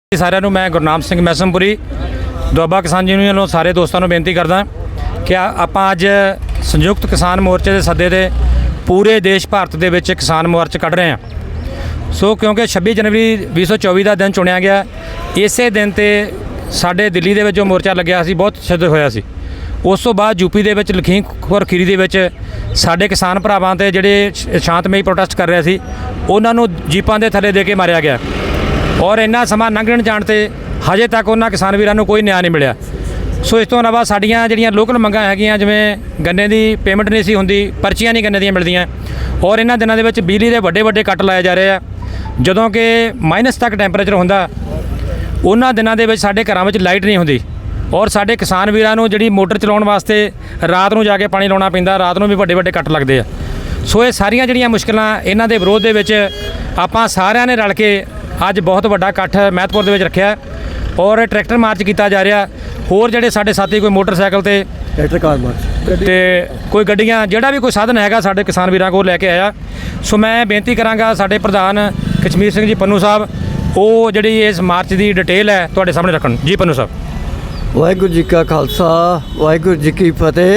ਸਾਰਿਆਂ ਨੂੰ ਮੈਂ ਗੁਰਨਾਮ ਸਿੰਘ ਮੈਸਮਪੁਰੀ ਦੁਆਬਾ ਕਿਸਾਨ ਯੂਨੀਅਨ ਵੱਲੋਂ ਸਾਰੇ ਦੋਸਤਾਂ ਨੂੰ ਬੇਨਤੀ ਕਰਦਾ ਕਿ ਆਪਾਂ ਅੱਜ ਸੰਯੁਕਤ ਕਿਸਾਨ ਮੋਰਚੇ ਦੇ ਸੱਦੇ ਤੇ ਪੂਰੇ ਦੇਸ਼ ਭਾਰਤ ਦੇ ਵਿੱਚ ਕਿਸਾਨ ਮੋਰਚਾ ਕੱਢ ਰਹੇ ਹਾਂ। ਸੋ ਕਿਉਂਕਿ 26 ਜਨਵਰੀ 2024 ਦਾ ਦਿਨ ਚੁਣਿਆ ਗਿਆ, ਇਸੇ ਦਿਨ ਤੇ ਸਾਡੇ ਦਿੱਲੀ ਦੇ ਵਿੱਚ ਜੋ ਮੋਰਚਾ ਲੱਗਿਆ ਸੀ ਬਹੁਤ ਸ਼ਿੱਦਤ ਹੋਇਆ ਸੀ। ਉਸ ਤੋਂ ਬਾਅਦ ਯੂਪੀ ਦੇ ਵਿੱਚ ਲਖੀਮਪੁਰ ਖੀਰੀ ਦੇ ਵਿੱਚ ਸਾਡੇ ਕਿਸਾਨ ਭਰਾਵਾਂ ਤੇ ਜਿਹੜੇ ਸ਼ਾਂਤਮਈ ਪ੍ਰੋਟੈਸਟ ਕਰ ਰਹੇ ਸੀ ਉਹਨਾਂ ਨੂੰ ਜੀਪਾਂ ਦੇ ਥੱਲੇ ਦੇ ਕੇ ਮਾਰਿਆ ਗਿਆ ਔਰ ਇੰਨਾ ਸਮਾਂ ਲੰਘਣ ਜਾਣ ਤੇ ਹਜੇ ਤੱਕ ਉਹਨਾਂ ਕਿਸਾਨ ਵੀਰਾਂ ਨੂੰ ਕੋਈ ਨਿਆਂ ਨਹੀਂ ਮਿਲਿਆ। ਸੋ ਇਸ ਤੋਂ ਇਲਾਵਾ ਸਾਡੀਆਂ ਜਿਹੜੀਆਂ ਲੋਕਲ ਮੰਗਾਂ ਹੈਗੀਆਂ, ਜਿਵੇਂ ਗੰਨੇ ਦੀ ਪੇਮੈਂਟ ਨਹੀਂ ਸੀ ਹੁੰਦੀ, ਪਰਚੀਆਂ ਨਹੀਂ ਗੰਨੇ ਦੀਆਂ ਮਿਲਦੀਆਂ ਔਰ ਇਹਨਾਂ ਦਿਨਾਂ ਦੇ ਵਿੱਚ ਬਿਜਲੀ ਦੇ ਵੱਡੇ ਕੱਟ ਲਾਏ ਜਾ ਰਹੇ ਆ। ਜਦੋਂ ਕਿ ਮਾਈਨਸ ਤੱਕ ਟੈਂਪਰੇਚਰ ਹੁੰਦਾ, ਉਹਨਾਂ ਦਿਨਾਂ ਦੇ ਵਿੱਚ ਸਾਡੇ ਘਰਾਂ ਵਿੱਚ ਲਾਈਟ ਨਹੀਂ ਹੁੰਦੀ ਔਰ ਸਾਡੇ ਕਿਸਾਨ ਵੀਰਾਂ ਨੂੰ ਜਿਹੜੀ ਮੋਟਰ ਚਲਾਉਣ ਵਾਸਤੇ ਰਾਤ ਨੂੰ ਜਾ ਕੇ ਪਾਣੀ ਲਾਉਣਾ ਪੈਂਦਾ, ਰਾਤ ਨੂੰ ਵੀ ਵੱਡੇ ਕੱਟ ਲੱਗਦੇ ਆ। ਸੋ ਇਹ ਸਾਰੀਆਂ ਜਿਹੜੀਆਂ ਮੁਸ਼ਕਲਾਂ ਇਹਨਾਂ ਦੇ ਵਿਰੋਧ ਦੇ ਵਿੱਚ ਆਪਾਂ ਸਾਰਿਆਂ ਨੇ ਰਲ ਕੇ ਅੱਜ ਬਹੁਤ ਵੱਡਾ ਇਕੱਠ ਮਹਿਤਪੁਰ ਦੇ ਵਿੱਚ ਰੱਖਿਆ ਔਰ ਟਰੈਕਟਰ ਮਾਰਚ ਕੀਤਾ ਜਾ ਰਿਹਾ। ਹੋਰ ਜਿਹੜੇ ਸਾਡੇ ਸਾਥੀ ਕੋਈ ਮੋਟਰਸਾਈਕਲ ਤੇ ਟਰੈਕਟਰ ਕਾਰ ਮਾਰਚ ਤੇ ਕੋਈ ਗੱਡੀਆਂ, ਜਿਹੜਾ ਵੀ ਕੋਈ ਸਾਧਨ ਹੈਗਾ ਸਾਡੇ ਕਿਸਾਨ ਵੀਰਾਂ ਕੋਲ ਲੈ ਕੇ ਆਇਆ। ਸੋ ਮੈਂ ਬੇਨਤੀ ਕਰਾਂਗਾ ਸਾਡੇ ਪ੍ਰਧਾਨ ਕਸ਼ਮੀਰ ਸਿੰਘ ਜੀ ਪੰਨੂ ਸਾਹਿਬ, ਉਹ ਜਿਹੜੀ ਇਸ ਮਾਰਚ ਦੀ ਡਿਟੇਲ ਹੈ ਤੁਹਾਡੇ ਸਾਹਮਣੇ ਰੱਖਣ। ਜੀ ਪੰਨੂ ਸਾਹਿਬ। ਵਾਹਿਗੁਰੂ ਜੀ ਕਾ ਖਾਲਸਾ, ਵਾਹਿਗੁਰੂ ਜੀ ਕੀ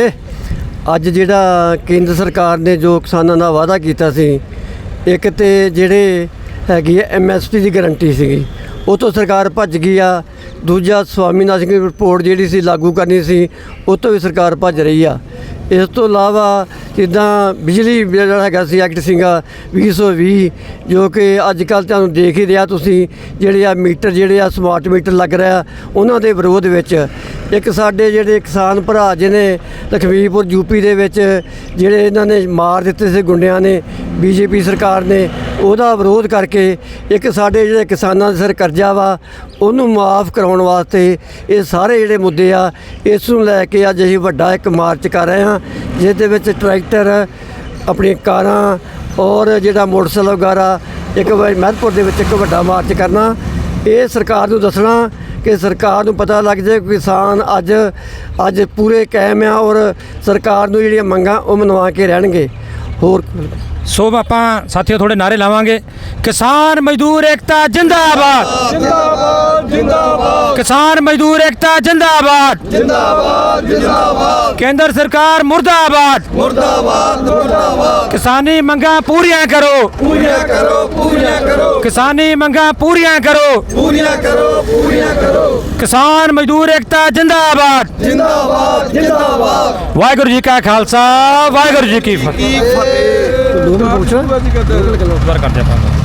ਫਤਿਹ। ਅੱਜ ਜਿਹੜਾ ਕੇਂਦਰ ਸਰਕਾਰ ਨੇ ਜੋ ਕਿਸਾਨਾਂ ਦਾ ਵਾਅਦਾ ਕੀਤਾ ਸੀ, ਇੱਕ ਤੇ ਜਿਹੜੇ ਹੈਗੀ MSP ਦੀ ਗਰੰਟੀ ਸੀਗੀ, ਉਹ ਤੋਂ ਸਰਕਾਰ ਭੱਜ ਗਈ ਆ। ਦੂਜਾ ਸਵਾਮੀਨਾਥਨ ਦੀ ਰਿਪੋਰਟ ਜਿਹੜੀ ਸੀ ਲਾਗੂ ਕਰਨੀ ਸੀ, ਉਹ ਤੋਂ ਵੀ ਸਰਕਾਰ ਭੱਜ ਰਹੀ ਆ। ਇਸ ਤੋਂ ਇਲਾਵਾ ਜਿੱਦਾਂ ਬਿਜਲੀ ਜਿਹੜਾ ਹੈਗਾ ਸੀ ਐਕਟ ਸੀਗਾ 2020, ਜੋ ਕਿ ਅੱਜ ਕੱਲ੍ਹ ਤੁਹਾਨੂੰ ਦੇਖ ਹੀ ਰਿਹਾ ਤੁਸੀਂ, ਜਿਹੜੇ ਆ ਮੀਟਰ ਜਿਹੜੇ ਆ ਸਮਾਰਟ ਮੀਟਰ ਲੱਗ ਰਿਹਾ, ਉਹਨਾਂ ਦੇ ਵਿਰੋਧ ਵਿੱਚ ਇੱਕ ਸਾਡੇ ਜਿਹੜੇ ਕਿਸਾਨ ਭਰਾ ਜਿਹਨੇ ਲਖਮੀਪੁਰ ਯੂਪੀ ਦੇ ਵਿੱਚ ਜਿਹੜੇ ਇਹਨਾਂ ਨੇ ਮਾਰ ਦਿੱਤੇ ਸੀ ਗੁੰਡਿਆਂ ਨੇ, BJP ਸਰਕਾਰ ਨੇ, ਉਹਦਾ ਵਿਰੋਧ ਕਰਕੇ ਇੱਕ ਸਾਡੇ ਜਿਹੜੇ ਕਿਸਾਨਾਂ ਦੇ ਸਿਰ ਕਰਜ਼ਾ ਵਾ ਉਹਨੂੰ ਮਾਫ ਕਰਾਉਣ ਵਾਸਤੇ ਇਹ ਸਾਰੇ ਜਿਹੜੇ ਮੁੱਦੇ ਆ, ਇਸ ਨੂੰ ਲੈ ਕੇ ਅੱਜ ਅਸੀਂ ਵੱਡਾ ਇੱਕ ਮਾਰਚ ਕਰ ਰਹੇ ਹਾਂ, ਜਿਸ ਦੇ ਵਿੱਚ ਟਰੈਕਟਰ, ਆਪਣੀਆਂ ਕਾਰਾਂ ਔਰ ਜਿਹੜਾ ਮੋਟਰਸਾਈਕਲ ਵਗੈਰਾ ਇੱਕ ਮਹਿਤਪੁਰ ਦੇ ਵਿੱਚ ਇੱਕ ਵੱਡਾ ਮਾਰਚ ਕਰਨਾ। ਇਹ ਸਰਕਾਰ ਨੂੰ ਦੱਸਣਾ ਕਿ ਸਰਕਾਰ ਨੂੰ ਪਤਾ ਲੱਗ ਜਾਏ ਕਿਸਾਨ ਅੱਜ ਪੂਰੇ ਕਾਇਮ ਆ ਔਰ ਸਰਕਾਰ ਨੂੰ ਜਿਹੜੀਆਂ ਮੰਗਾਂ ਉਹ ਮਨਵਾ ਕੇ ਰਹਿਣਗੇ। ਹੋਰ ਸੋ ਆਪਾਂ ਸਾਥੀਓ ਥੋੜੇ ਨਾਰੇ ਲਾਵਾਂਗੇ। ਕਿਸਾਨ ਮਜ਼ਦੂਰ ਏਕਤਾ ਜਿੰਦਾਬਾਦ, ਜਿੰਦਾਬਾਦ ਜਿੰਦਾਬਾਦ। ਕਿਸਾਨ ਮਜ਼ਦੂਰ ਏਕਤਾ ਜਿੰਦਾਬਾਦ, ਜਿੰਦਾਬਾਦ ਜਿੰਦਾਬਾਦ। ਕੇਂਦਰ ਸਰਕਾਰ ਮੁਰਦਾਬਾਦ, ਮੁਰਦਾਬਾਦ ਮੁਰਦਾਬਾਦ। ਕਿਸਾਨੀ ਮੰਗਾਂ ਪੂਰੀਆਂ ਕਰੋ, ਪੂਰੀਆਂ ਕਰੋ, ਪੂਰੀਆਂ ਕਰੋ। ਕਿਸਾਨੀ ਮੰਗਾਂ ਪੂਰੀਆਂ ਕਰੋ, ਪੂਰੀਆਂ ਕਰੋ, ਪੂਰੀਆਂ ਕਰੋ। ਕਿਸਾਨ ਮਜ਼ਦੂਰ ਏਕਤਾ ਜਿੰਦਾਬਾਦ, ਜਿੰਦਾਬਾਦ ਜਿੰਦਾਬਾਦ। ਵਾਹਿਗੁਰੂ ਜੀ ਕਾ ਖਾਲਸਾ, ਵਾਹਿਗੁਰੂ ਜੀ ਕੀ ਫਤਿਹ। ਫਤਿਹ। ਦੋ ਮਿੰਟ ਪੁੱਛ ਕਰਦੇ ਆਪਾਂ।